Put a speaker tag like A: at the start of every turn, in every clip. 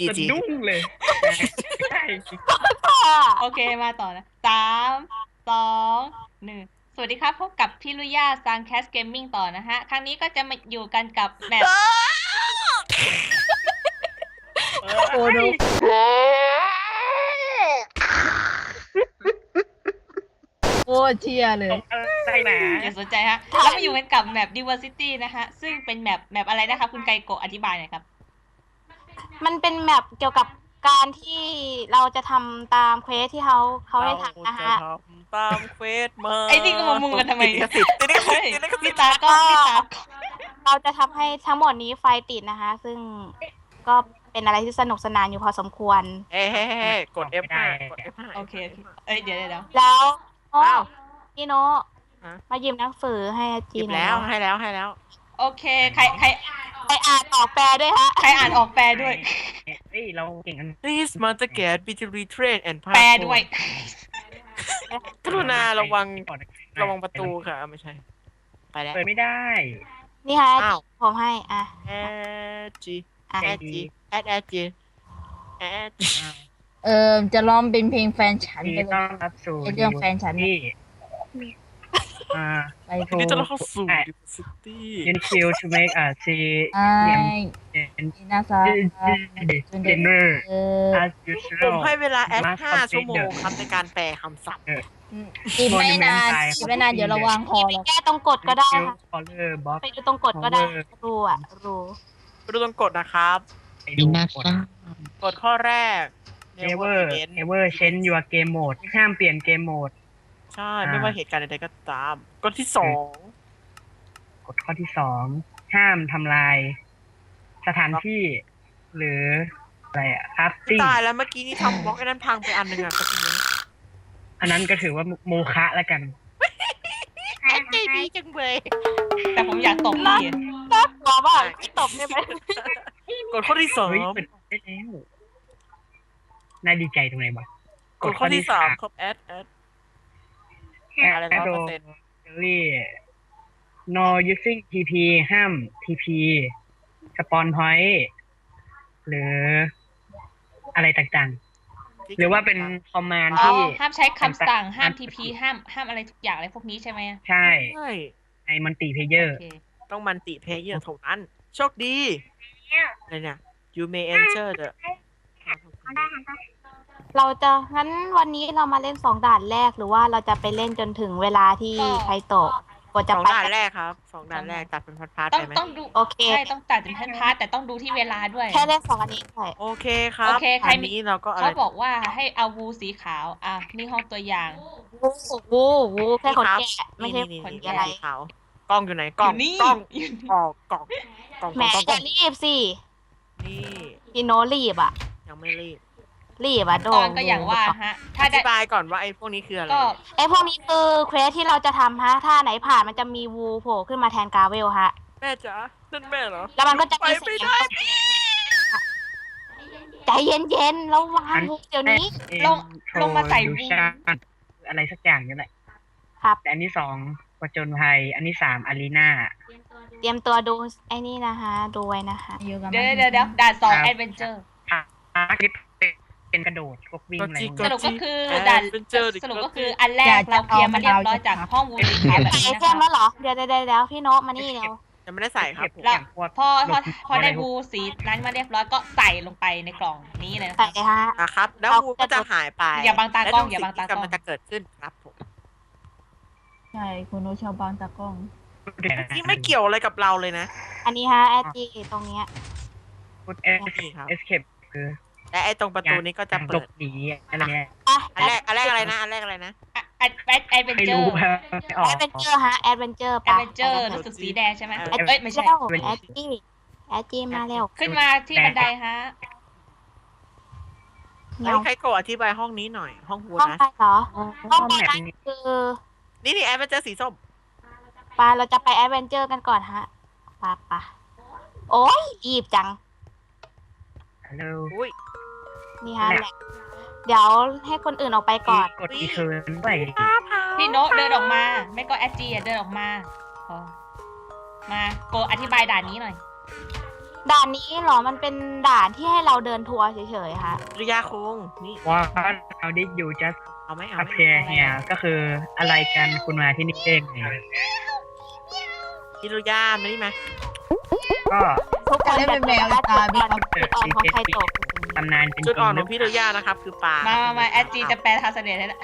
A: จีจี
B: ดุ้งเลยใช่
C: โอเคมาต่อนะ3 2 1สวัสดีครับพบกับพี่ลุย่าซังแคสเกมมิ่งต่อนะฮะครั้งนี้ก็จะมาอยู่กันกับแมป
D: โอ้ดู โอ้เชียเลย
B: อะไรนะ
C: อย่าสนใจฮะแล้วมาอยู่กันกับแมป Diversity นะฮะซึ่งเป็นแมปอะไรนะคะคุณไกโกะอธิบายหน่อยครับ
E: มันเป็นแมปเกี่ยวกับการที่เราจะทำตามเควสที่เขาได้ทำนะฮะ
A: เราจทำตามเควสมา
C: ไอ้นี่ก็มามุงกันทำไม
A: ติดลิขสิทธิ์ติดลิขสิทธิ์ติดลิขสิ
C: พี่
A: ทธิ์
C: ตาก็
E: เราจะทำให้ทั้งหมดนี้ไฟติดนะคะ ซึ่งก็เป็นอะไรที่สนุกสนานอยู่พอสมควร
A: เฮ้กด F5 กด F5
C: โอเคเอ้ยเดี๋ยว
E: แล้วโอ้
A: อ้าว
E: พี่โน
A: ฮะ
E: มายืมหนังสือให้อา
A: ห
E: จี
A: ยิบ
E: หน่อย
A: แล้ว
E: นะ
A: ให้แล้ว
C: โอเคใคร
E: ไปอ่านออกแปลด้วยฮะ
C: ใครอ่านออกแปลด้วย
B: เฮ้ยเราเก่งกัน
A: Please must get be to retrain and pass
C: แปลด้วย
A: กรุณาระวังประตูค่ะไม่ใช่ ไปแล้ว
B: เปิดไม่ได้
E: นี่ฮะ
A: อ้าว
E: ผมให้อ่ะ
A: G
E: อ่ะ
A: G G
D: จะร้องเป็นเพลงแฟนฉัน
B: ดี
D: ไปเล
B: ต้อย นรับสู่
D: ไอ้เรื่องแฟนฉัน
B: ที่อ่า
D: ไป
A: วันนี้จะเข้าสู่ Diversity
B: Until to make a see
D: ไอ้ อินาซา
B: dinner
D: เออ
B: as
A: ผม
B: usual
A: ให้เวลาแอด5 ชั่วโมงครับในการแปลคำศัพท์
D: อีกไม่นานเดี๋ยวระวังคอ
E: พี่ไป
D: หรอก
E: แก้ตรงกฎก็ได้ค่ะ
B: color box
E: ไปดูตรงกฎก็ได้รู้อ่ะรู้
A: ไปดูตรงกฎนะครับ
B: ไปดูกด
A: กฎข้อแรก
B: never ever change your game mode ห้ามเปลี่ยนเกมโหมด
A: ใช่ไม่ว่าเหตุการณ์ใดๆก็ตามกฎที่สอง
B: กฎข้อที่2ห้ามทำลาย สถานที่ หรืออะไรอะครับติ้ง
A: ตายแล้วเมื่อกี้นี่ทำบล็อกไอ้นั้นพังไปอันหนึ่งอ่ะก็ทีนี้
B: อันนั้นก็ถือว่าโมฆะแล้วกัน
A: ใจดีจังเลย
C: แต่ผมอยากตบพี่
E: น่ากลัวมากพี่ตบได้ไหม
A: กฎข้อที่สอง
B: เฮ้ยเป็นได้แล้วน่าดีใจตรงไหนบ้าง
A: กฎข้อที่สามครับแอดอะไรนะเปอร์เซ็นต์
B: รี่ no using TP ห้าม TP สปอนพอยต์หรืออะไรต่างๆ หรือว่าเป็นคอมมานด์
C: อ๋อ
B: ที่
C: ห้ามใช้คำสั่งห้าม TP ห้ามอะไรทุกอย่างอะไรพวกนี้ใช่ไหม
B: ใช่
A: ใช่
B: ในมัลติเพเยอ
C: โอ
B: ร์
C: เค
A: ต้องมันติเพลเยอร์เท่านั้นโชคดีอะไรเนี่ย you may enter the
E: เราจะงั้นวันนี้เรามาเล่น2 ด่านแรกหรือว่าเราจะไปเล่นจนถึงเวลาที่ใครตกกว่า
A: ส
E: จะ
A: อง
E: ไป
A: ด่านแรกครับสองด่านแรกตัดเป็นพาร์ทๆ
C: ต้อ
A: ไป
C: ง
A: ไหม
C: ต้องดู
E: โอเค
C: ใช่ต้องตัดเป็นพาร์ทแต่ต้องดูที่เวลาด้วย
E: แค่เล่น2 อันนี้ใช่
A: โอเคครับ
C: โอเคใคร
A: อัน
C: มี
A: นี้เราก็อะไร
C: เขาบอกว่าให้เอาวูสีขาวอ่ะนี่ห้องตัวอย่าง
E: โอ้โหแค่คนแก่ไม่ใช่
A: นี่
E: คน
A: ๆๆ
E: อะไร
A: สีขาวกล้องอยู่ไหนกล้อง
C: อยู่นี่
A: กล้อง
C: อยู่นี่
A: กล้อง
E: แหมจะรีบสิ
A: นี่
E: พี่โนรีบอ่ะ
A: ยังไม่รีบ
E: รีบอ่ะโด
C: ตอนก็อย่างว่าฮะ ถ้า
A: อ
C: ได้
A: ธิบายก่อนว่าไอ้พวกนี้คืออะไร
C: ก็
E: ไอพวกนี้คือเควสที่เราจะทำฮะถ้าไหนผ่านมันจะมีวูโผล่ขึ้นมาแทนกาเวลฮะ
A: แม่จ๋านั่นแม่เหรอ
E: แล้วมันก็จะ
A: ไป
E: มี
A: ไม่
E: เสียง
A: ได้
E: ใจเย็นๆระวังวูเดี๋ยวนี้
C: ลงมาใส่
B: ดู
C: วู
B: ชาอะไรสักอย่างนี่แหละ
E: ครับ
B: แต่อันที่2ประจนภัย อันที่3อารีนา
E: เตรียมตัวดูไอ้นี่นะคะดูไว้นะคะ
D: อยู่กับ
C: เดี๋ยวด่าน2 Adventure
B: พาร์ทเป็นกระโดดพวกวิ่งอะไรพวก
C: ส
B: นี้
C: รุปก็คือด่านสรุปก็คืออันแรกเราเคลียร์มาเรียบร้อยจากห้องวูสีขาวแบบ
E: ใส่
C: นี้
E: ไอ
C: นะ
E: เท
C: คะ
E: มแล้วเหรอเดี๋ยวพี่โนตมานี่เร็ว
A: ยังไม่ได้ใส่ครับ
B: เก็บ
C: แล้ว
B: อย่างพวก
C: พอได้วูสีนั้นมาเรียบร้อยก็ใส่ลงไปในกล่องนี้เลยนะ
E: ใส่
C: คะ
E: เลยฮะ
A: นะครับ แล้ววูก็จะหายไป
C: อย่าบังตากล้อง
A: และ
C: อย่าบังตากล้อง
A: สิ่ที่กำลังจะเกิดขึ้นครับผม
D: ใช่คุณโนชาวบางตากล้อง
A: ที่ไม่เกี่ยวอะไรกับเราเลยนะ
E: อันนี้ฮะแอดจีตรงเนี้ย
B: พุทเ
A: นี่ครับ
B: อสเคปคือ
A: และไอ้ตรงประตูนี้ก็จะ
B: หล
A: เปิด
B: บหนีอะไรเนี่ย
E: อ่ะ
A: อันแรกอะไรนะอันแรกอะไรนะ
C: แอดเวน
B: ไม่
C: เจอ
B: รู้
C: ร์
B: ไม่ออ
E: แอก ดเวนเจอร์ฮะแอดเวนเจอร์
C: แอดเวนเจอร์รู้สึกสีแดงใช่ไหมเอ้ยไม่ใช่
E: เร็วแอดจีมาเร็ว
C: ขึ้นมาที่บันไดฮะ
E: เงา
A: ใครโกะอธิบายห้องนี้หน่อย ห้องวู
E: ห้อง
A: นะ
E: ไปเหรอห้องไป
B: แบบ
E: นั้น
B: นี้
E: คือ
A: นี่แอดเวนเจอร์สีส้ม
E: ปาเราจะไปแอดเวนเจอร์กันก่อนฮะปะโอ้ยรีบจัง
B: ฮัลโหล
A: อุ้ย
E: นี่ฮะแหละเดี๋ยวให้คนอื่นออกไปก่อน
B: กดอีเทิร์นไป
C: พี่โนตเดินออกมา ไม่ก็แอดจีเดินออกมาพอมาโกอธิบายด่านนี้หน่อย
E: ด่านนี้เหรอมันเป็นด่านที่ให้เราเดินทัวร์เฉยๆค่ะ
A: ริยาคงนี่
B: ว่าเราดิอยู่ just
A: เอาไหมเอา
B: up
A: ไหม
B: here เนี่ยก็คืออะไรกันคุณมาที่นี่เองไง
A: ฮิโรยามานี่มา
B: ก็
D: ทุกคนจะเป็นแมวตาบีครับ
E: จุดอ่อนของไคโตะ
B: ตำนานเป็นจ
A: จุด
B: ริ
A: อ่อน
B: ง
A: ของพี่ฮิโรยานะครับ คือปลา
C: มาแอดจีจะแปลทาสเนตให้ละ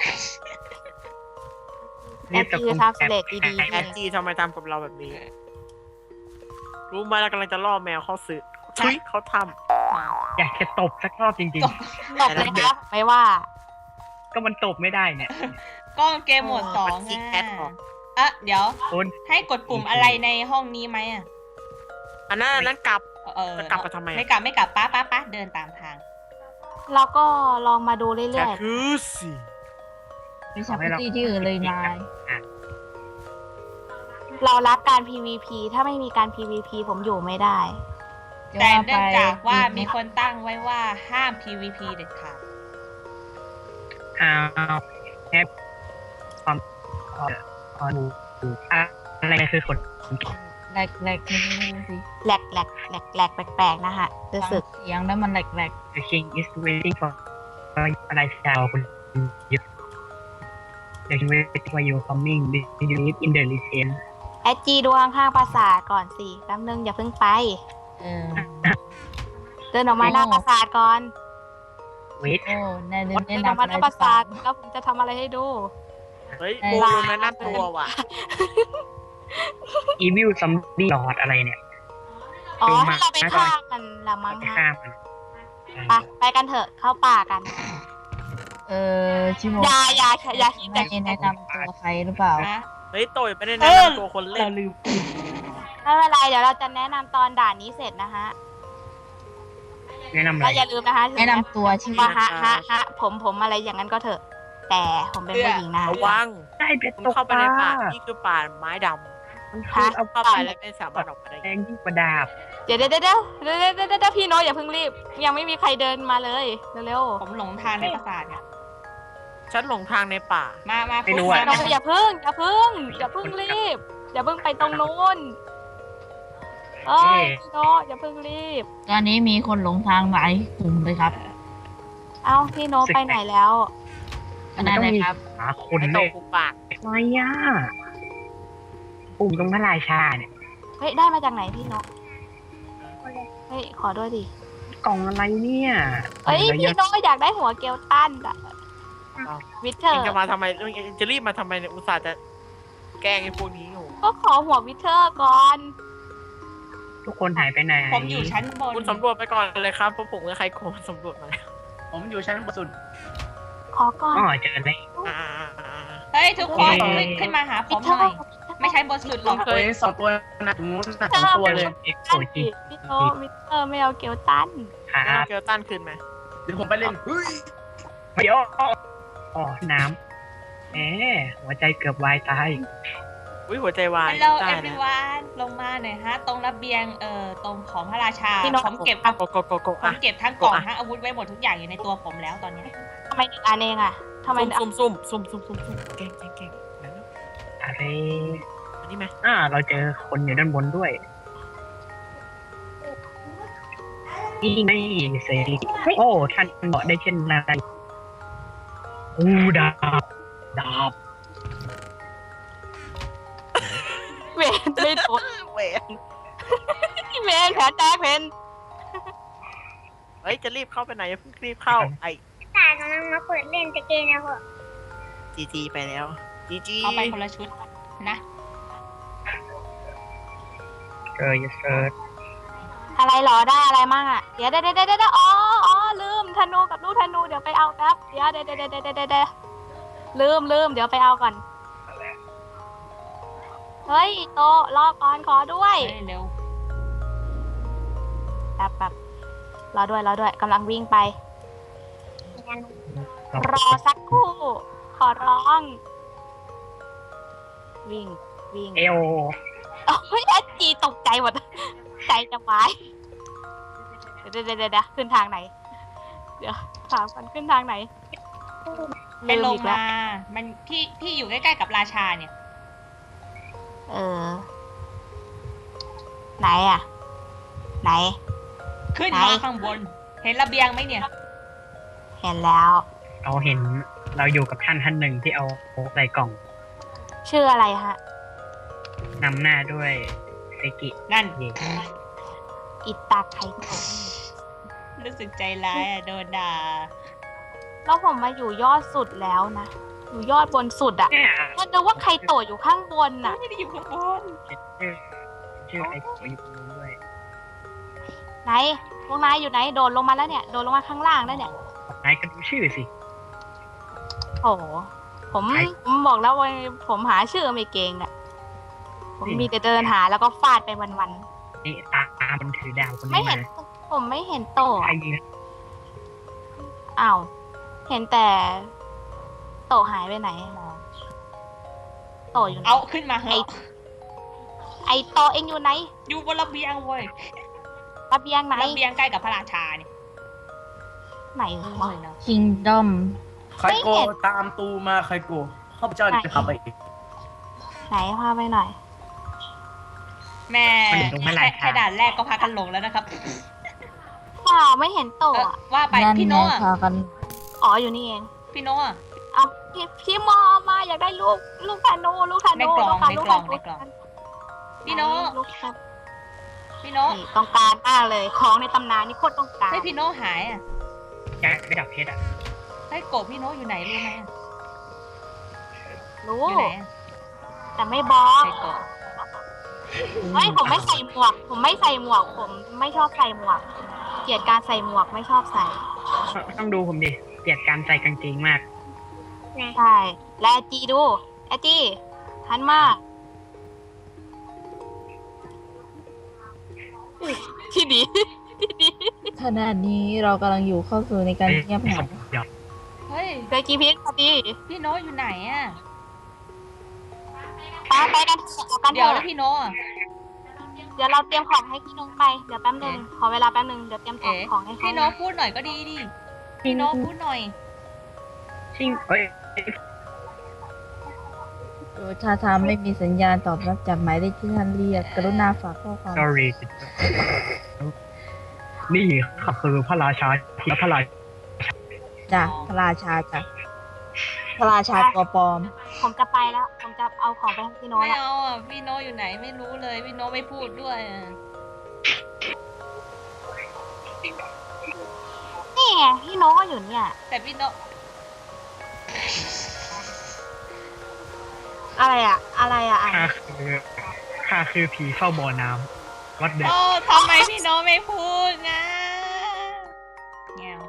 E: แอนตี้ทราสเลตดีๆ
A: แอดจีทำไมทำกับเราแบบนี้ รู้ไหมเรากำลังจะล่อแมวเข้าซื้อทุยเขาท
B: อยากจะตบสักรอบจริง
E: ตบเลยครับไม่ว่า
B: ๆ ก็มันตบไม่ได้เนี่ย
C: ก็เกมโหมดสองอ่ะเดี๋ยว
B: คุณ
C: ให้กดปุ่มอะไรในห้องนี้ไหมอ่ะ
A: ำอันนั้นกลับ จะกลับมาทำไม
C: ไม่กลับป้าเดินตามทาง
E: เราก็ลองมาดูเรื่
A: แค่
E: อย
A: คือสิ
D: ไปชักตี้ที่อื่นเลยนาย
E: ๆ เรารักการ PVP ถ้าไม่มีการ PVP ผมอยู่ไม่ได้
C: แต่เนื่องจากว่ามีคนตั้งไว้ว่าห้าม PVP เด็ดขาด
B: อ้าวแค่ความอะไรคือคน
D: แหลกๆไม่รู้สิ
E: แหลกแหลกแหลกแหลกแปลกๆนะฮะรู้สึก
D: เสียงแล้วมันแหลก
B: The king is waiting for อะไรชาวคุณยึด The king waiting for you coming Do you live in the region
E: แอดจีดูข้างๆปราสาทก่อนสิแป๊บนึงอย่าเพิ่งไป
D: ๆ
E: เดินออกมาหน้าปราสาทก่อน
B: Wait
D: โอ้แน่น
E: เดิ
D: แน่
E: น
D: น
E: ออกมาหน้าปราสาทแล้วผมจะทำอะไรให้ดู
A: เฮ้ยโบลงแนะนำตัวว่ะ
B: Evil Zombie Lord อะไรเนี่ย
E: อ๋อ
B: ดูมา
E: ให้เราไปฆ่ามันละมั้ง
B: ไป
E: ฮะ
B: ฆ่ามัน
E: ไปกันเถอะเข้าป่ากัน
D: ชิโม
E: อย่าคิด
D: ไม่แนะนำตัวใครหรือเปล่า
C: นะ
A: เฮ้ยโตยไม่ได้แนะนำตัวคนเล่น
B: ลืม
E: ไม่เป็นไรเดี๋ยวเราจะแนะนำตอนด่านนี้เสร็จนะฮะ
B: แนะนำอะไร
E: ก็อย่าลืมนะคะ
D: แนะนำตัวชื่อ
E: ว่าฮะผมอะไรอย่างนั้นก็เถอะ แต่ผมเป็นผู้หญิงนะ
A: ระวัง
B: ได้เป็ด
A: คุณ
B: ตก
A: เข้าไป
B: ป
A: ใน
B: ลา
A: ป่านี่คือป่าไม้ด
B: มันคือเอา
A: ำ
B: ป
A: เข้า
B: ลา
A: ไปแล้วไม่สามารถออกมาได้
B: แดงยิ่งกว่าดาบ
E: เดี๋ยวพี่โน้ตอย่าเพิ่งรีบ ยังไม่มีใครเดินมาเลยเร็ว
C: ผมหลงทางในปราสาทเนี่ย
A: ฉันหลงทางในป่า
C: มา
B: ไม่รู้
C: มา
B: อะ
E: ๆน้องอย่าเพิ่งรีบ อย่าเพิ่งไปตรงนู้นเอ้ยพี่โน้ตอย่าเพิ่งรีบ
D: ตอนนี้มีคนหลงทางหลายกลุ่มเลยครับ
E: เอ้าพี่โน้ตไปไหนแล้ว
D: ก็นั่นแหละครับ
B: หาคน
A: ไอ้โต
B: เลย
A: กูปาก
B: อะไรอ่ะปุ่มตรงพระราชาเนี่ย
E: เฮ้ยได้มาจากไหนพี่โน้ตเฮ้ยขอด้วยดิ
B: กล่องอะไรเนี่ย
E: เอ้ยพี่โน้ตอยากได้หัวเกลตันอะวิเทอ
A: เอง
E: ร์
A: จะมาทำไมเองจะรีบมาทำไมเนี่ยอุตส่าห์จะแกล้งไอ้พวกนี้อยู่
E: ก็ขอหัววิเทอร์ก่อน
B: ทุกคนหายไปไหน
C: ผมอยู่ชั้นบน
A: คุณสำรวจไปก่อนเลยครับเพราะผมกับใครโกงสำรวจมาแล้ว
F: ผมอยู่ชั้นบนสุด
E: ขอก่อน
B: อ๋อเจอแล้ว
A: อ่า
C: เฮ้ยทุกคน
B: เอ้ย
C: ขึ้นมาหาผ
E: วิ
C: ม
E: เท
C: ห
E: อ
C: น่อย
E: ร์
C: ไม่ใช่บนสุดหรอก
F: ตัวเองสองตัวนะตรงนู้นนะสองตัวเลย
B: เอ็กโซ
E: ตัน
B: จี
E: พี่โน้ตวิเทอร์ไม่เอาเกลตัน
B: ครั
A: เอา
B: บ
A: เกลตันคืนมา
F: เดี๋ยวผมไปเล่นเฮ้ย
B: เดี๋ยวอ๋อน้ำแหมหัวใจเกือบวายตาย
A: อุ้ยหัวใจวาย
C: ฮัลโหล
A: ได้
C: เอ
A: นะ
C: ฟ w ว n ลงมาหน่อยฮะ ตรงระเบียงตรงของพระราชา
E: พี่โน้ต
C: ผมเก็บ
A: โกโก
C: ผม
A: อ่ะ
C: เก็บทั้งกล่องทั้งอาวุธไว้หมดทุกอย่างอยู่ในตัวผมแล้วตอนนี้
E: ทำไมหนึ่งอันเองอะทำไม
A: ซุ่มแกล้งแล้ว
B: อะไร
A: อันนี้ไหม
B: เราเจอคนอยู่ด้านบนด้วยนี่ไม่เสรีโอ้ท่านบอกได้เช่นไรอู้ดาบ
E: เวนไม่โดน
A: เวน
E: เวนแผลแตกเพน
A: เฮ้ยจะรีบเข้าไปไหนอย่าเพิ่งรีบเข้าไอ้
G: แต่กำลังมาเปิดเล่นตะเกนนะพ่อ
A: จีไปแล้วจี
C: เอาไปคนละชุดนะ
B: เจอเซิร์ช
E: อะไรหรอได้อะไรมั่งอะเดี๋ยวอ๋อลืมธนูกับลูกธนูเดี๋ยวไปเอาแป๊บเดี๋ยวลืมเดี๋ยวไปเอาก่อนเฮ้ยโตรอก่อนขอด้วย
C: เฮ้ยเร็ว
E: แป๊บรอด้วยกำลังวิ่งไป รอสักครู่ ขอร้อง วิ่ง
B: เอล
E: เฮ้ยแอดจีตกใจหมด ใจจะวายเดี๋ยวขึ้นทางไหน เดี๋ยวถามกันขึ้นทางไหน
C: ไปลง
E: อีกแว
C: มา มันพี่อยู่ใกล้ๆกับราชาเนี่ย
E: ไหนอะไหน
C: ขึ้นมาข้างบน เห็นระเบียงไหมเนี่ย
E: เห็นแล้ว
B: เราเห็นเราอยู่กับท่านหนึ่งที่เอาใส่กล่อง
E: ชื่ออะไรฮะ
B: นำหน้าด้วยเซกิ
C: นั่น
B: เย่
E: อิตาไคโตะ
C: รู้สึกใจร้ายอะโดนด่า
E: แล้วผมมาอยู่ยอดสุดแล้วนะ อยู่ยอดบนสุดอะ
B: เนี่ย
E: ก็นึกว่าไคโตะอยู่ข้างบนน่ะ
C: ไม่ได้อยู่ข้างบน
B: ชื่อไอ้ตัวอยู่ตรงนู้นด้วย
E: ไหนพวกนายอยู่ไหน โดดลงมาแล้วเนี่ย โดดลงมาข้างล่างแล้วเนี่ย
B: นายก็ดูชื่อสิ
E: โอ้โหผมบอกแล้วว่าผมหาชื่อไม่เก่งอะผมมีแต่เดินหาแล้วก็ฟาดไปวัน
B: นี่ตามันถือดาวคน
E: ๆ ไม่
B: นี้
E: เห็
B: มาน
E: ผมไม่เห็นโตะ
B: ใคร
E: อะ
B: ยิง
E: อ้าว เห็นแต่โตะหายไปไหน โตะอยู่ไหน
C: เอาขึ้นมาเหอะ
E: ไอโตะเองอยู่ไหน
C: อยู่บนระเบียงเว้ย
E: ระเบียงไหน
C: ระเบียงใกล้กับพระราชาเนี่ย
E: ไหนวะ
D: คิงดอม
F: ใครโกตามตูมาใครโกข้าพเจ้าจะขับไปเอง
E: ไหนพาไปหน่อย
C: แม่แค่ด่านแรกก็พากันหลงแล้วนะครับ
E: เปล่าไม่เห็นโตะอะ
C: ว่าไป
D: นั่น
C: พี่
D: ไง
C: โน่อะ
D: พากัน
E: อ๋ออยู่นี่เอง
C: พี่โน่อะ
E: เอาพี่มอมาอยากได้ลูกธนูลูกธนู
C: ในกล่อง
E: ลู
C: ในกล่อง
E: ธนู
C: ในกล่อง พี่โน่
E: ลูกธนู
C: พี่โน่
E: นี่ต้องการมากเลยของในตำนานนี่โคตรต้องการ
C: ให้พี่โน่หายอ่ะ
B: อยากได้ดาบเพชรอ่ะ
C: ให้โกบพี่โน่อยู่ไหนรู้ไหมอะ
E: รู้
C: อยู่ไหนอะ
E: แต่ไม่บอก
C: ให้โกบ
E: เฮ้ยผมไม่ใส่หมวก ผมไม่ใส่หมวก ผมไม่ชอบใส่หมวก เกลียดการใส่หมวกไม่ชอบใส่
B: ต้องดูผมดิเกลียดการใส่กางเกงมาก
E: ใช่ และอาจีดูอาจีหันมาที่ดีที่ดี
D: ขณะนี้เรากำลังอยู่เข้าสู่ในการเงียบเหงา
B: เดี๋ยว
C: เฮ้ย
E: เจอกีพีพอดี
C: พี่โน่อยู่ไหนอ่ะ
E: ไปกันเถอะเอากันเถ
C: เดี๋ยว
E: อะ
C: แล้วพี่โน่อะ
E: เดี๋ยวเราเตรียมของให้พี่นุ้งไป เดี๋ยวแป๊บนึง ขอเวลาแป๊บนึง เดี๋ยวเตรียมของ
C: เอ๋
E: ของให้เขา
C: พี่โน่พูดหน่อยก็ดีดิ พี่โน่พูดหน่อย
B: ชิงเอ้ย
D: โดยท่าทางไม่มีสัญญาณตอบรับจากหมายเลขที่ท่านเรียก กรุณาฝากข้อความ
B: sorry นี่เขาคือพระราชาและพระราชา
D: จ้ะพระราชาจ้ะพระราชาตัวปลอม
E: ผมจะไปแล้ว ผมจะเอาของไปให้พี่โน้ต
C: ไม่
E: แล้ว
C: เอาอ่ะ พี่โน่อยู่ไหนไม่รู้เลย พี่โน่ไม่พูดด้วยอะ
E: นี่ไงพี่โน้ตก็อยู่เนี่ย
C: แต่พี่โน่
E: อะไรอะอะไรอะอ่ะ
B: ข้าคือผีเฝ้าบ่อน้ำวัดเด็ก
C: โอ้ทำไมพี่โน่ไม่พูดนะแงว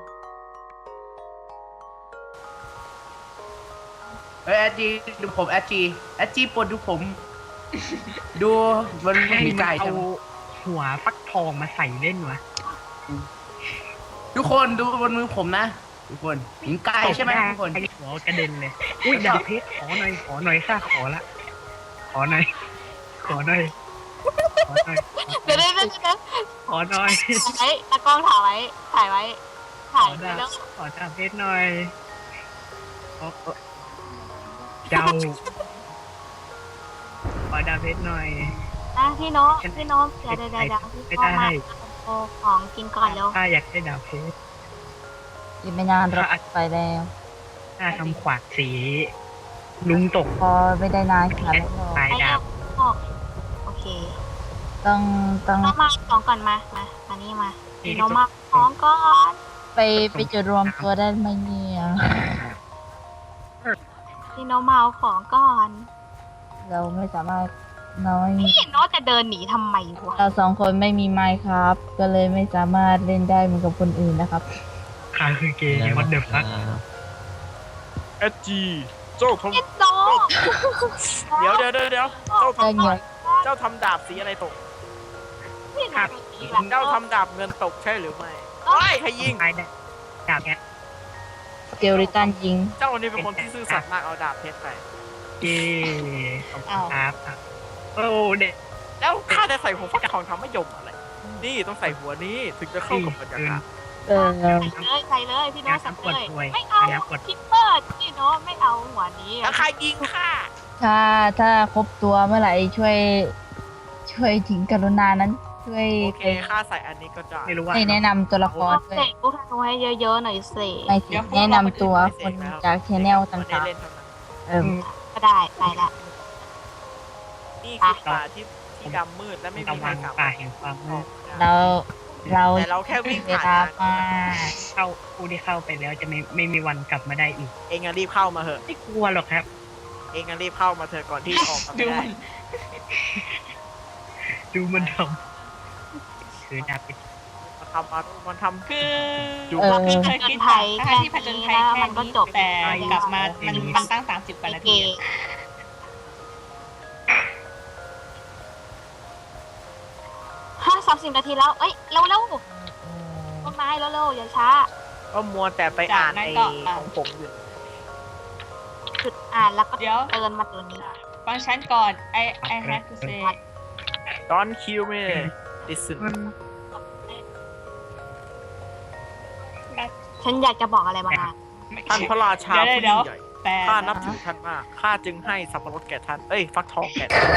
F: เฮ้ยแอดจีดูผมแอดจีปวดดูผม ดูมันไม่มีไก่
B: เอา
F: จัง
B: หัวฟักทองมาใส่เล่นวะ
F: ทุกคนดูบนมือผมนะ ทุกคนเห็นไก่ใช่ไหมทุกคน
B: ไอ้หัวกระเด็นเลย อุ้ยดาบเพชรขอหน่อยข้าขอละขอหน่อยขอหน่อย
E: เดี๋ยว
B: ขอหน่อย
E: ถ่ายไว้ตากล้องถ่ายไว้ ถ่ายไว้ ถ่าย
B: ขอ
E: ไว้
B: ดาบ
E: แล้ว
B: ขอดาบเพชรหน่อยเจ้าขอดาบเพชรหน่อย
E: นะพี่โน้ตเดี๋ยวพี่
B: ไม่
E: โน้ต
B: ได้
E: มาเอาของกินก่อนเร็ว
B: ข้าอยากได้ดาบเพชร
D: อีกไม่นานเราไปแล้ว
B: ข้าทำขวากสี ลุงตก
D: พอไม่ได้นานขนาดนั้นหรอก
B: ตาย
E: ไป
B: ดา
E: เร็
B: บ
E: วโอเค
D: ต้อง
E: มาของก่อนมานี่มาพี่โน้ตมาของก่อน
D: ไปจุดรวมตัวได้ไหมเนี่ย
E: พี่โน้ตมาเอาของก่อน
D: เราไม่สามารถน้อย
E: พี่โน้ตจะเดินหนีทำไมวะ
D: เราสองคนไม่มีไมค์ครับ ก็เลยไม่สามารถเล่นได้เหมือนกับคนอื่นนะครับ
B: ข้าคือเกย์วัดเดอร์ฟัก
A: เอจีเจ้าทำ
E: พี่โน้ต
A: เดี๋ยวเจ้า
D: ได้
A: ทำ
D: เงิน
A: เจ้าทำดาบสีอะไรตก
E: พี่โน้ตหนีแบบ
A: เจ้าทำดาบเงินตกใช่หรือไม่ไอ้ใครยิง
B: ตายได้ดาบแค่
D: สเกลลิตันยิง
A: เจ้านี่เป็นคนที่ซื่อสัตย์มากเอาดาบเพชรไป
B: เกย์ขอบคุณครับโอ้เด็ก
A: แล้วข้าจะใส่หัวฟักทองทำไม่ยมอะไร นี่ต้องใส่หัวนี้ถึงจะเข้ากับบรรยากาศ
E: ใส่เลยพี่โน้ตใส่เลยไม่เอา
B: อย่ากด
E: คิปเปอร์พี่โน้ตไม่เอาหัวนี้
A: แล้วใครยิงข้า
D: ถ้าครบตัวเมื่อไหร่ช่วยถึงกรุณานั้นช่วย
A: โอ
D: ไป
A: เคค่าใส่อันนี้ก็จ่าย
B: ไม่รู้ว่า
D: ให้แนะนำตัวละคร
E: เส
D: ด้วย
E: กลูกธนูให้เยอะๆหน่อยสิ
D: ไม่สิแนะนำตัวคนจากชแนล
A: ไม่
D: ต่า
A: ได้
D: ง
A: เล่นเท่านั้น
D: ๆ
E: ก็ได้ไปละ
A: นี่คือป่าที่ดำมืดและไม่มี
B: ตะ
A: ใคร
B: วัน
A: กลับ
B: ป่าแห่งความมืด
D: เราเรา
A: แต่เราแค่วิ่ง
D: เว
A: ผ่าน
D: ลา
A: นะ
D: มา
B: เข้าผู้ที่เข้าไปแล้วจะไม่มีวันกลับมาได้อีก
A: เองอะรีบเข้ามาเถอะ
B: ไม่กลัวหรอกครับ
A: เองอะรีบเข้ามาเถอะก่อนที่ออกมา
C: ดู
A: ไม่ได้
C: มัน
B: ดูมันทำคือดาบเป็น
A: มันทำ
C: คือ
A: ดู
C: คือเคยคิดทั้งที่ผจญภัยแค่
E: มันก็
C: นี้
E: จบ
C: แต่กลับมามันตั้ง30 กว่านาที
E: 30 นาทีแล้ว เอ้ยเร็วๆต้นไม้เร็วๆอย่าช้า
A: ก็มัวแต่ไปอ่านไอ้ของผมอยู่
E: จุดอ่านแล้วก็
C: เดี๋ยว
E: เตือนมาตัวนี้
C: ฟังฉันก่อน I have to say
A: Don't kill me listen
E: ฉันอยากจะบอกอะไรบางอย่าง
A: ท่านพระราชาผู้
C: เดี๋
A: ยิ่
C: ยว
A: งใหญ่
C: แต่
A: ข้านับถือท่านมากข้าจึงให้สับปะรดแก่ท่าน เอ้ยฟักทองแก่ท่าน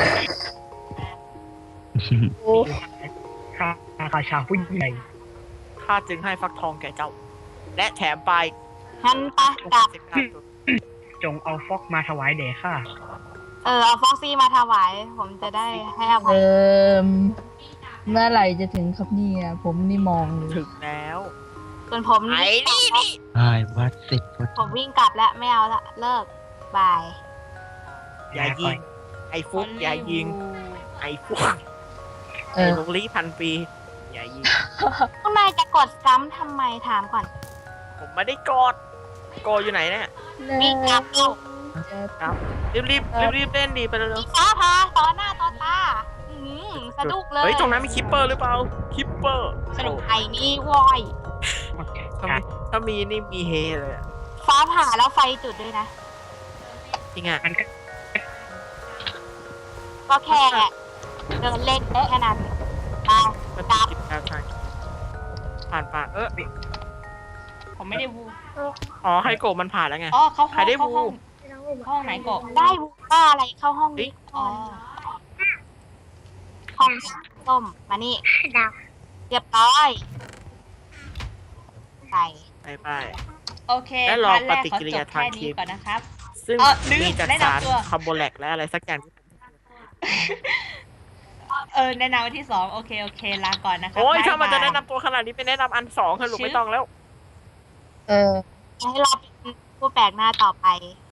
B: ข้าราชาผู้ยิ่งใหญ่
A: ข้าจึงให้ฟักทองแก่เจ้า และแถมไป
E: งั้นไปกลับ
B: จงเอาฟอกมาถวายแด่ข้า
E: เอาฟ็อกซี่มาถวาย ผมจะได้ให้อภัย
D: เมื่อไหร่จะถึงครับเนี่ยผมนี่มองเลย
A: ถึงแล้ว
E: ส่วนผม
A: ไอ้นี่
H: ไอ้วัดเสร็จพอ
E: ผมวิ่งกลับแล้วไม่เอาละเลิกบาย
A: อย่ายิง ไอ้ฟุกอย่ายิง ไอ้ฟุก
D: เอ
A: ไอ้
D: อ
A: ลูกลี้พันปี อย่ายิง
E: พวกนายจะกดซ้ำทำไมถามก่อน
A: ผมไม่ได้กดโกอยู่ไหนเนี่ย
E: วิ่งกลับเอา
A: ครับรีบเล่นดีไปเร็ว
E: ฟ้าพาต่อหน้าต่อตาสะดุกเลย
A: เฮ้ยตรงนั้นมีคิปเปอร์หรือเปล่าคิปเปอร์
C: สรุป
E: ไอ้นี่วอย
A: ถ้ามีนี่มีเฮเลยอะ
E: ฟ้าผ่าแล้วไฟจุดด้วยนะ
A: จริงอ่ะ
B: มันก็
E: ก็แค่เดินเล่นแค่นั้นไป
A: มันติดกิจการทางผ่าน
C: ผมไม่ได้วู
A: อ๋อไฮโกะมันผ่านแล้วไง
C: อ๋อเข้า
A: ใคร
C: ห้อง
A: ได้
C: เข้าห้อง
A: วู
C: ห้องไหนโกะ
E: ได้บุกบ้าอะไรเข้าห้องนี้
C: อ๋อ
E: ห้องส้มมานี่
G: ดาว
E: เรียบร้อยไป
A: ไป
C: โอเค
A: และรอ
C: พาร์ทแรก
A: ปฏิ
C: ขอ
A: กิริ
C: จ
A: ยา
C: บ
A: ทาง
C: แค่
A: คลิ
C: นี้
A: ป
C: ก่อนนะครับ
A: ซึ่ง
C: ลืม
A: มีจาก
C: แนะ
A: สาร
C: นำตัว
A: คาร์โบแลกและอะไรสักอย่าง
C: แนะนำวันที่2โอเคลาก่อนนะครับ
A: โอ้ย
C: บ๊ย
A: ถ้ามันจะ
C: บย
A: แนะนำตัวขนาดนี้ไปแนะนำอันสองเถอะลูกไม่ต้องแล้ว
D: เออ
E: ให้เราเป็นผู้แปลกหน้าต่อไป